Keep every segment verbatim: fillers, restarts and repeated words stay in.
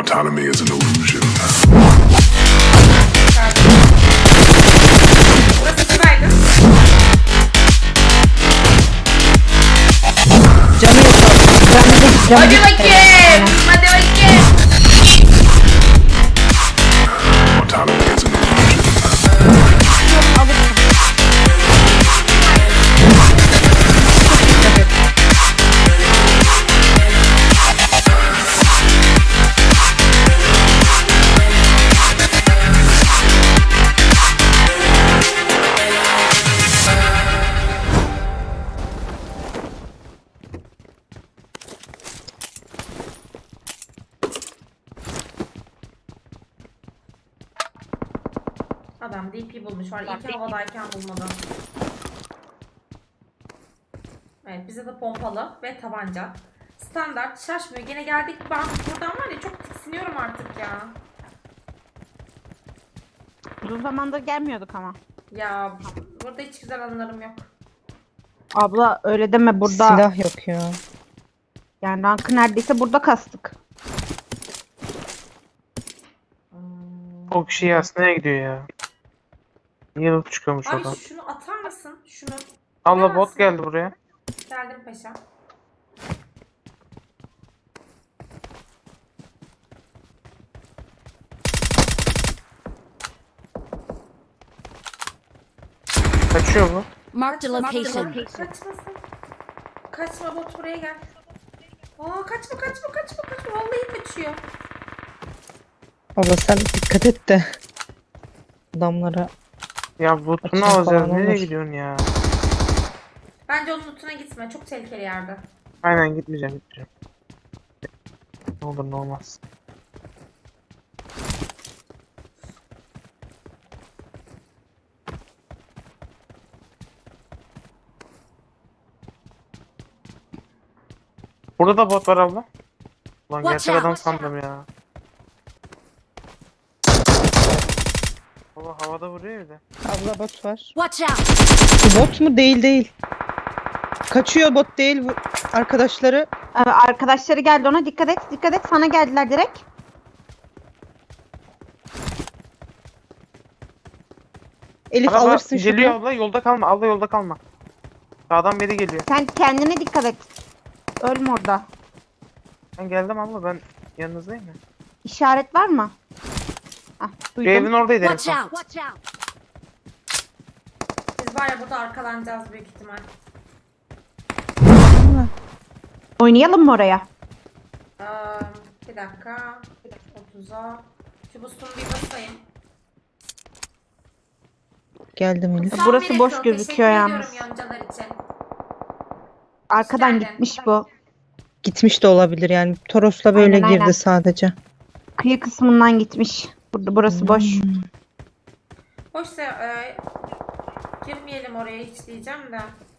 Autonomy is an illusion. Burası sıraydı. Canı yok abi. Canı yok. Canı Hadi yok. bakayım. Hadi bakayım. Autonomy is an illusion. Adam D P bulmuş var. İyi ki havadayken bulmadı. Evet, bize de pompalı ve tabanca. Standart, şaşmıyor. Gene geldik. Ben buradan var ya, çok tiksiniyorum artık ya. Uzun zamandır gelmiyorduk ama. Ya burada hiç güzel anılarım yok. Abla öyle deme, burada Silah yok ya. yani rankı neredeyse burada kastık. O kişi yasnaya gidiyor ya. Niye loot çıkıyormuş Ay oradan? şunu atar mısın? Şunu. Allah bot geldi buraya. Geldim paşa. Kaçıyor bu. Marked a location. Kaçmasın. Kaçma bot, buraya gel. Aa, kaçma kaçma kaçma kaçma. Vallahi kaçıyor. Abla sen dikkat et de. Adamlara. Ya bootunu Açın alacağız. falan Nereye olur. gidiyorsun ya? Bence onun lootuna gitme. Çok tehlikeli yerde. Aynen gitmeyeceğim gitmeyeceğim. Ne olur ne olmaz. Burada da bot var abla. Ulan Watch gerçek out. adam sandım ya. Baba havada vuruyor bir de. Abla bot var. Watch out. Bu bot mu? Değil değil. Kaçıyor, bot değil. Bu arkadaşları. Ee, arkadaşları geldi, ona dikkat et, dikkat et, sana geldiler direkt. Elif Araba alırsın geliyor şunu. abla, yolda kalma. Abla yolda kalma. Sağdan biri geliyor. Sen kendine dikkat et. Ölme orada. Ben geldim abla, ben yanınızdayım ya. İşaret var mı? Hah, Bir evin duydum. oradaydı en Watch son. out. Watch out. Biz var ya, burada arkalanacağız büyük ihtimal. Oynayalım mı oraya? Ee, bir dakika. otuza. Şu boost'umu bir basayım. Geldim Elif. Son Burası bir boş ekran. gözüküyor Teşekkür yalnız. ediyorum yoncalar için. Arkadan geldin. gitmiş bu. Gitmiş de olabilir yani. Toros'la böyle Aynen, girdi aynen. sadece. Kıyı kısmından gitmiş. Burada burası boş. Hoşsa e, girmeyelim oraya hiç diyeceğim de.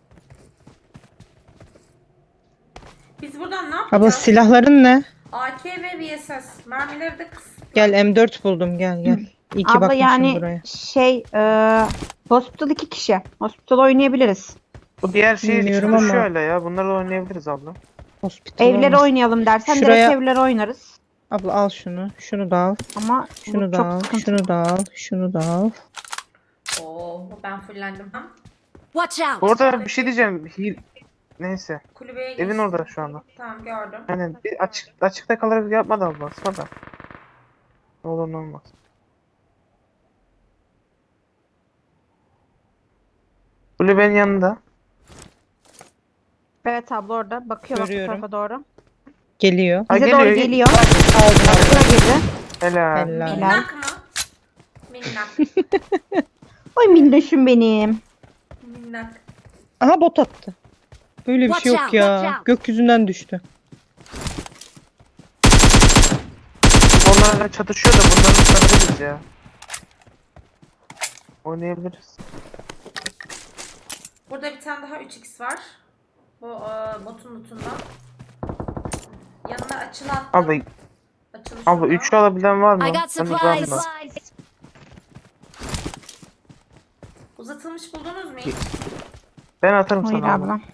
Biz buradan ne Abla yapacağız? silahların ne? A K ve V S S. Mermileri de kıs. Gel M dört buldum, gel gel. İyi ki Abla bakmışım yani buraya. şey e, hospital iki kişi. Hospital oynayabiliriz. Bu diğer şey Bilmiyorum çıkmış ama- şöyle ya. Bunları da oynayabiliriz abla. Hospital Evlere olmaz. oynayalım dersen Şuraya- direkt evlere oynarız. Abla al şunu. Şunu da al. Ama Şunu bu da çok al. sıkıntı. Şunu da al. Şunu da al. Oo, ben fullendim. Ha? Watch out. Bu arada bir şey diyeceğim. Hil... Neyse. Kulübeye Evin geçtim. orada şu anda. Tamam, gördüm. Aynen. Bir açık, açıkta kalarak yapmadı abla. Sonra. Ne olur ne olmaz. Kulübenin yanında. Evet abla orada. Bakıyor bak bu Görüyorum. tarafa doğru. Geliyor. Ha, Bize geliyor, doğru geliyor. geliyor. Aldım aldım. Buraya girdi. Helal. Helal. Minnak mı? Minnak. Oy minnoşum benim. Minnak. Aha bot attı. Böyle bir şey Watch yok out, ya. watch out. Gökyüzünden düştü. Onlarla çatışıyor da bunları tutabiliriz ya. Oynayabiliriz. Burada bir tane daha üç x var. Bu e, botun lootundan. Yanına açılan. Abla, Açılı abla şurada. üçlü alabilen var mı? I got Ben supplies. uzağım da. Uzatılmış buldunuz mu hiç? Ben atarım Hayır sana abla. abla.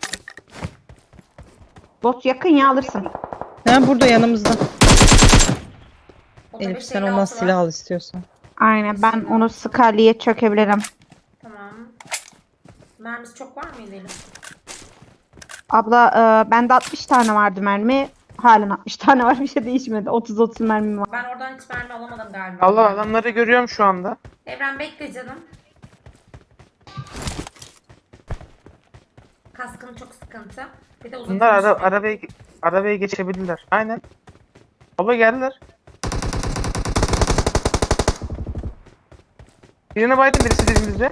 Bot yakın ya, alırsın. Ha burada yanımızda. O da Elif beş sen elli ondan altı var. silah al istiyorsan. Aynen ben onu Scarlet'e çökebilirim. Tamam. Mermisi çok var mıydı Elif? Abla e, bende altmış tane vardı mermi. Halen altmış tane var, bir şey değişmedi. otuz otuz mermim var. Ben oradan hiç mermi alamadım galiba. Allah adamları görüyorum şu anda. Evren bekle canım. Kaskın çok sıkıntı. Bir de uzun Bunlar ara, sürüşlü. arabaya, arabaya geçebilirler. Aynen. Abla geldiler. Birine baydım, birisi dibimizde.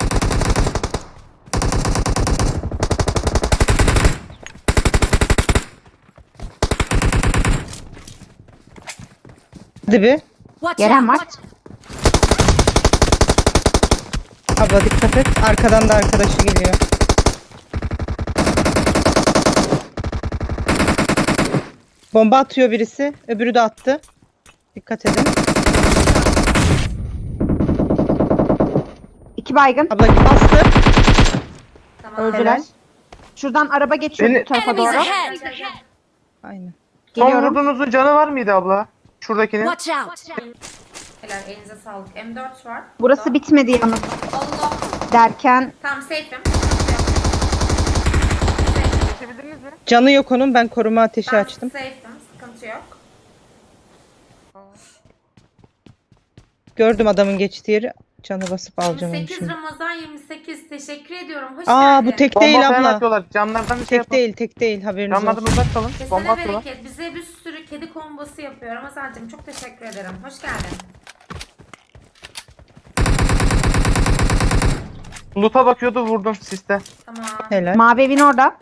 Hadi bir. Watch Gelen out! var. Abla dikkat et. Arkadan da arkadaşı geliyor. Bomba atıyor birisi. Öbürü de attı. Dikkat edin. İki baygın. Abla bastı. Tamam. Öldüler. Helal. Şuradan araba geçiyor Beni- bu tarafa Enemies doğru. ahead! Aynen. Son Geliyorum. vurduğunuzun canı var mıydı abla? Şuradakinin. Watch out! Helal, elinize sağlık. M dört var. Burası Burada. bitmedi yalnız Allah. derken Tamam, safe'im. Geçebildiniz mi? Canı yok onun. Ben koruma ateşi Ben açtım. safe'im. Sıkıntı yok. Gördüm adamın geçtiği yeri. Canı basıp alacağım onu yirmi sekiz şimdi. Ramazan yirmi sekiz. Teşekkür ediyorum. Hoş Aa geldin. bu tek Bomba değil falan abla. atıyorlar. Camlardan bir şey Tek yapın. değil, tek değil. Haberiniz Camlardan olsun. uzak kalın. Bomba Kesene atıyorlar. bereket. Bize bir sürü kedi kombosu yapıyor. Ramazancığım çok teşekkür ederim. Hoş geldin. Loot'a bakıyordu, vurdum siste. Tamam. Helal. mavi evin orada.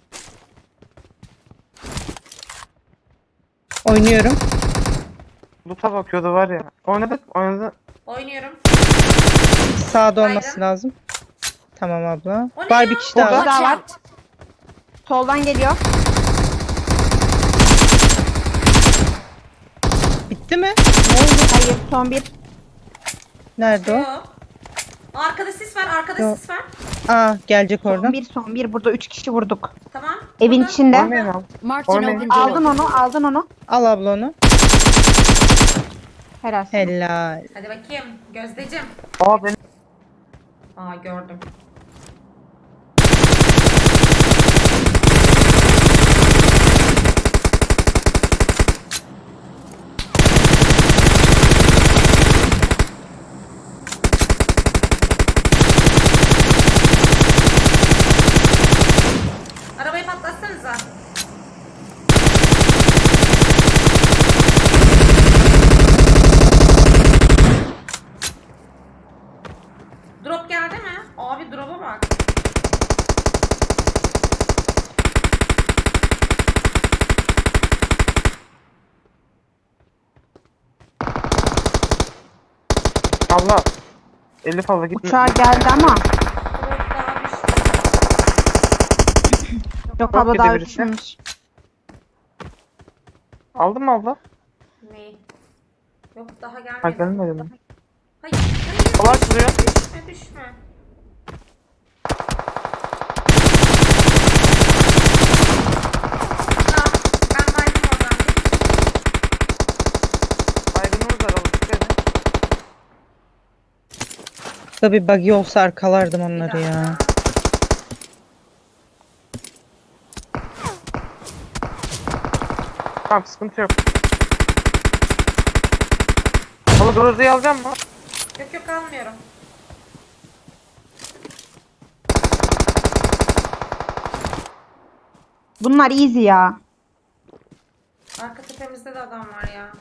Oynuyorum. Loot'a bakıyordu var ya. Oynadık, oynadı. Oynuyorum. Sağda Baygın. olması lazım. Tamam abla. O ne Var ya? bir kişi daha Orada. var. Watch var. out! Soldan geliyor. Bitti mi? Ne oldu? Hayır, son bir. Nerede o? Yok. Arkada sis var. Arkada Yok. sis var. Aa gelecek Son oradan. bir, son bir. Burada üç kişi vurduk. Tamam. Evin Burada. içinde. Oynayın abi. Marked an Oynayın. open Aldın door. onu, aldın onu. Al abla onu. Helal. Helal. Hadi bakayım. Gözdeciğim. Aa benim. Aa, gördüm. Arabayı patlatsanıza. Drop geldi mi? Abi drop'a bak. Abla. Elif abla gitme. Uçağa geldi ama. Drop daha düştü. Yok Yok abla daha birisi. uçmamış. Aldın mı abla? Ne? Yok, daha gelmedi. Ha gelmedi mi? Hayır, hayır. Hava açılıyor. Düşme, düşme. Aa, ben baydım oradan. Baygınımız var abla. Dikkat edin. Da bir buggy olsa arkalardım Bir onları dakika. ya. Tamam, sıkıntı yok. Abla Grozda'yı alacak mı? Yok yok, almıyorum. Bunlar easy ya. Arka tepemizde de adam var ya.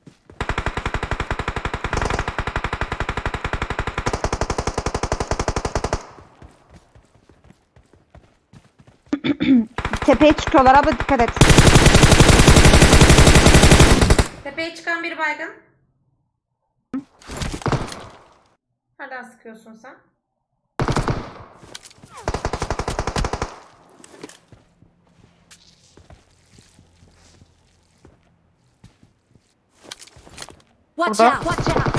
Tepeye çıkıyorlar abla, dikkat et. Tepeye çıkan bir baygın. Nereden sıkıyorsun sen? Watch Burada. out! Watch out!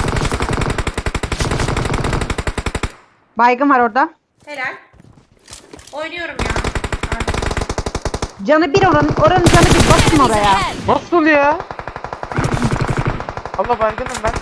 Baygın var orada. Helal. Oynuyorum ya. Artık. Canı bir oranın. Oranın canı bir, basın Enemies oraya. ahead! Nasıl ya? Abla baygınım ben.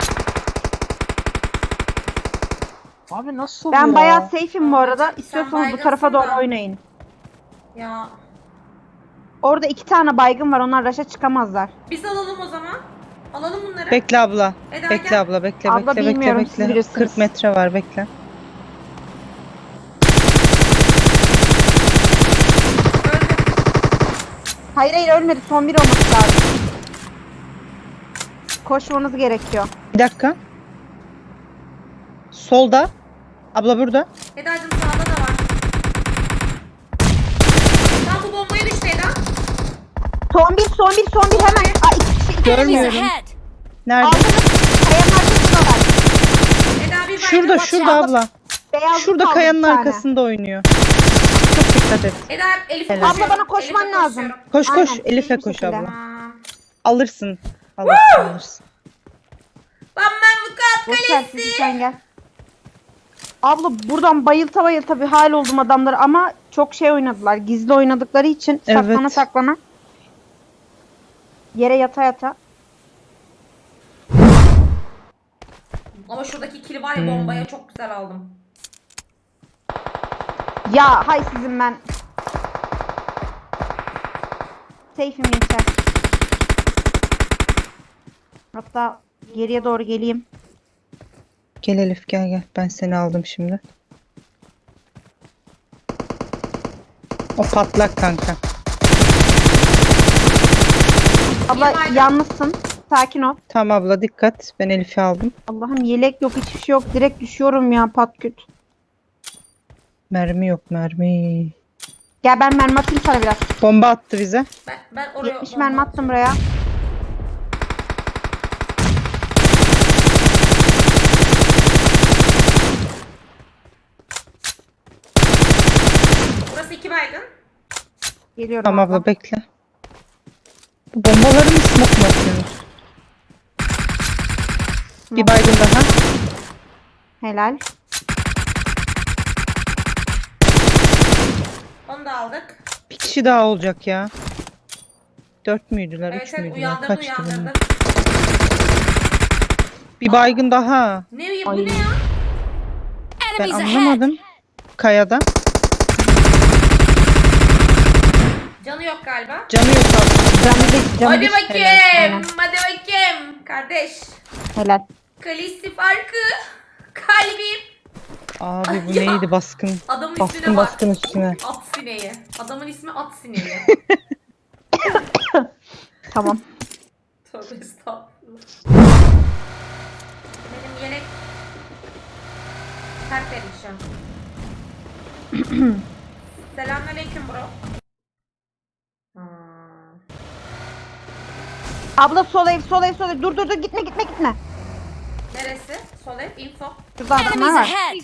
Abi nasıl Ben ya? bayağı safe'im bu arada. Sen İstiyorsanız bu baygınsın tarafa doğru da. oynayın. Ya Orada iki tane baygın var. Onlar raşa çıkamazlar. biz alalım o zaman. Alalım bunları. Bekle abla. Eda Bekle gel. abla bekle Abla bekle bekle bilmiyorum, siz bekle. bilirsiniz. kırk metre var bekle. Öldü. Hayır hayır ölmedi. Son bir olması lazım. Koşmanız gerekiyor. Bir dakika. Solda. Abla burada. Eda'cığım sağda da var. Tam bu bombaya düştü Eda. Son bir, son bir, son bir hemen. Aa, iki kişi, iki Enemies Görmüyorum. ahead! Nerede? Aldınız. Kayanın arkasında var. Eda bir Şurada baygın. şurada out. abla. Beyazlı Şurada kaldı kayanın bir tane. arkasında oynuyor. Çok dikkat et. Eda Elif'e Helal. koşuyorum. Abla bana koşman Elif'e lazım. koşuyorum. Koş koş. Aynen, Elif'e iyi bir koş şekilde. abla. Tamam. Alırsın. Alırsın alırsın. Bamban vukuat Boş ver kalesi. sizi, sen gel. Abla buradan bayılta bayılta bir hal oldum adamları ama çok şey oynadılar. Gizli oynadıkları için Evet. saklana saklana. Yere yata yata. Ama şuradaki kili var ya bombaya çok güzel aldım. Ya hay sizin ben. Safe'im gençler. Hatta geriye doğru geleyim. Gel Elif gel gel. Ben seni aldım şimdi. O patlak kanka. Abla Yılmayla. yalnızsın. Sakin ol. Tamam abla dikkat. Ben Elif'i aldım. Allah'ım yelek yok, hiçbir şey yok. Direkt düşüyorum ya patküt. Mermi yok mermi. Gel ben mermi atayım sana biraz. Bomba attı bize. Ben, ben oraya yetmiş bomba mermi attım buraya. Burası iki baygın. Geliyorum Tamam abla. abla bekle. Bu bombaları mı smoke mu atıyorsunuz? Bir baygın daha. Helal. Onu da aldık. Bir kişi daha olacak ya. Dört müydüler? Evet Üç evet müydüler? uyandırdı Kaçtı uyandırdı. bunlar? Bir baygın daha. Ne bu Ay. ne ya? Ben Enemies ahead! anlamadım. Kayada. Canı yok galiba. Canı yok abla. Canı bir, canı Hadi bir. bakayım. Aynen. Hadi bakayım. Kardeş. Helal. Kalisi farkı. Kalbim. Abi bu Ya. neydi baskın? Adamın ismine Baskın bak. baskın üstüne. At sineği. Adamın ismi at sineği. Tamam. Tövbe estağfurullah. Benim yelek tertemiz şu an. Selamünaleyküm bro. Hmm. Abla sol ev, sol ev, sol ev. Dur dur dur gitme gitme gitme. Neresi? Sol ev, info. Şurada adamlar Enemies var. ahead!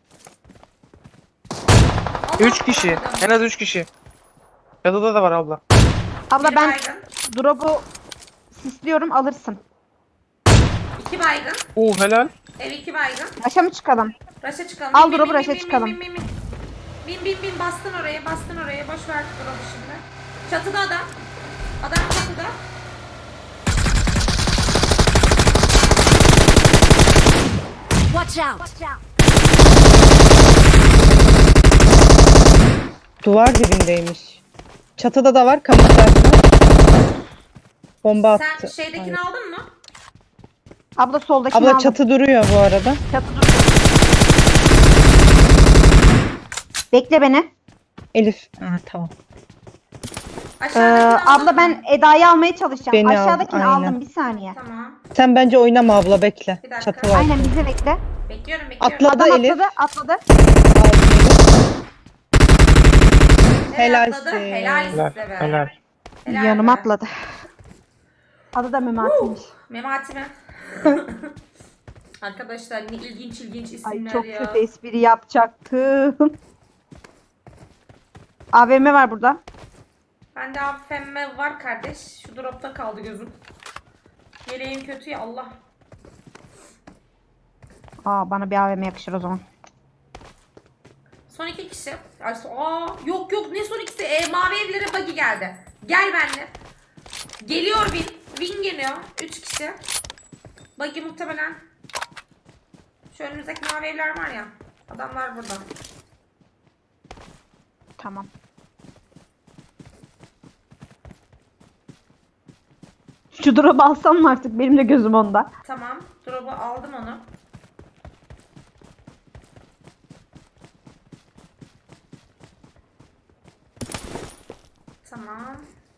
Allah Üç kişi. Allah. En az üç kişi. Çatıda da var abla. Abla Bir ben baygın. drop'u sisliyorum alırsın. İki baygın. Oo helal. Ev iki baygın. Aşağı mı çıkalım? Raşa çıkalım. Al Bin, bin, drop'u, bin, raşa bin, çıkalım. Bin bin bin. Bin bin bin bastın oraya bastın oraya. Boş ver drop'u şimdi. Çatıda adam. Adam çatıda. Watch out! Duvar dibindeymiş. Çatıda da var kamuflajlı. Bomba Sen attı. şeydekini Ay. aldın mı? Abla soldakini Abla aldım. çatı duruyor bu arada. Çatı duruyor. Bekle beni. Elif. Ha, tamam. Ee, Aşağıdakini aldın abla mı? ben Eda'yı almaya çalışacağım. Beni al, Aşağıdakini aynen. aldım bir saniye. Tamam. Sen bence oynama abla bekle. Bir dakika. Çatı var. Aynen bizi bekle. Bekliyorum bekliyorum. Atladı Adam Elif. atladı atladı. Nereye Helalsin. atladı? Helal Helal. size be. Helal. Helal Yanıma be. atladı. Adı da Memati'ymiş. Memati mi? Arkadaşlar ne ilginç ilginç Ay isimler çok ya. kötü espri yapacaktım. A V M var burada. Bende abi femme var kardeş. Şu dropta kaldı gözüm. Yeleğim kötü ya Allah. Aa bana bir A V M yakışır o zaman. Son iki kişi. Ay, so- Aa, yok yok ne son ikisi? E, mavi evlere buggy geldi. Gel benimle. Geliyor Win. Win geliyor. Üç kişi. Buggy muhtemelen. Şu önümüzdeki mavi evler var ya. Adamlar burada. Tamam. Şu drop'u alsam mı artık? Benim de gözüm onda. Tamam. Drop'u aldım onu. Tamam.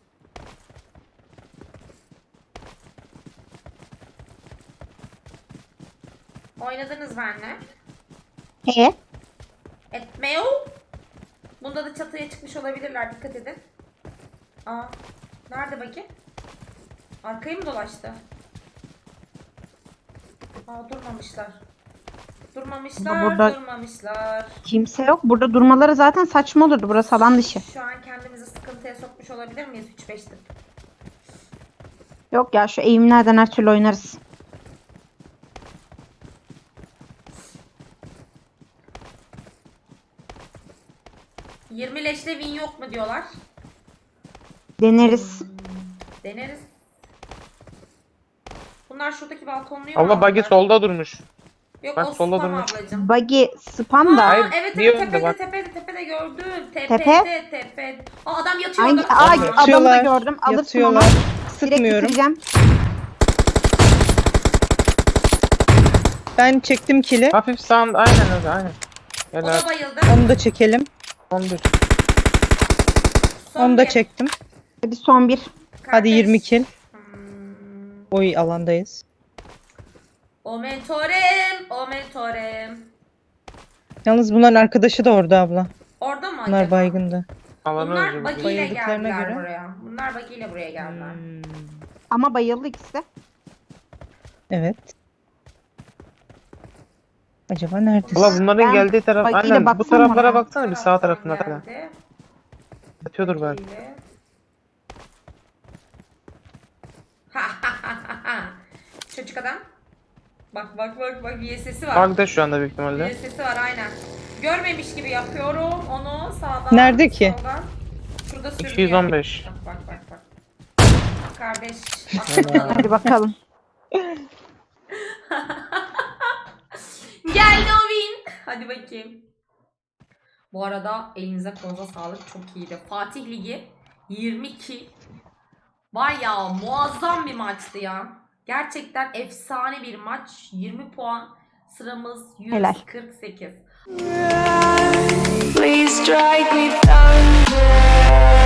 Oynadınız benimle. E? Etmeo. Bunda da çatıya çıkmış olabilirler. Dikkat edin. Aa. Nerede bakayım? Arkayı mı dolaştı? Aa, durmamışlar. Durmamışlar, Burada- durmamışlar. Kimse yok. Burada durmaları zaten saçma olurdu. Burası alan dışı. Şu an kendimizi sıkıntıya sokmuş olabilir miyiz? üç beş tık. Yok ya, şu eğimlerden her türlü oynarız. yirmi leşle win yok mu diyorlar. Deneriz. Deneriz. Bunlar şuradaki balkonluyu Allah mu buggy aldılar? solda durmuş. Yok bak, o solda spam durmuş. ablacığım. Buggy spam da. Aa, Hayır, evet bir evet yönde tepede bak. tepede tepede gördüm. Tepe? Tepede tepede. Aa, adam yatıyor Hangi? orada. Aa, Tamam. adamı da Yatıyorlar, gördüm. Alırsın onu. yatıyorlar. Direkt Sıkmıyorum. bitireceğim. Ben çektim kili. Hafif sağında aynen öyle aynen. O Helal. da bayıldı. Onu da çekelim. on bir. Son Onu da bir. çektim. Hadi son bir. Hadi Kardeş. yirmi kill. Hmm. Oy alandayız. O mentorem, o mentorem. Yalnız bunların arkadaşı da orada abla. Orada mı Bunlar acaba? baygındı. Alanı Bunlar önce buggy bir- ile Bayıldıklarına geldiler göre. buraya. Bunlar buggy ile buraya geldiler. Hmm. Ama bayıldı ikisi de. Evet. Acaba neredesin? Allah bunların Ben geldiği taraf buggy ile aynen bu baksam taraflara oraya. baksana bir sağ Taraftan tarafına da. geldi. Yatıyordur belki. Buggy ile. Çocuk adam. Bak bak bak bak bir sesi var. Bug'da şu anda büyük Bir ihtimalle. sesi var aynen. Görmemiş gibi yapıyorum onu sağdan. Nerede ki? Soldan. Şurada sürünüyor. iki yüz on beş. Bak bak bak bak. Kardeş. bak. Hadi bakalım. Geldi o win. Hadi bakayım. Bu arada elinize kolunuza sağlık, çok iyiydi. Fatih Ligi yirmi iki. Var ya muazzam bir maçtı ya. Gerçekten efsane bir maç. yirmi puan. Sıramız Helal. yüz kırk sekiz. Please strike me thunder.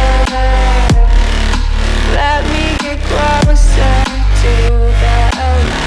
Let me get closer to the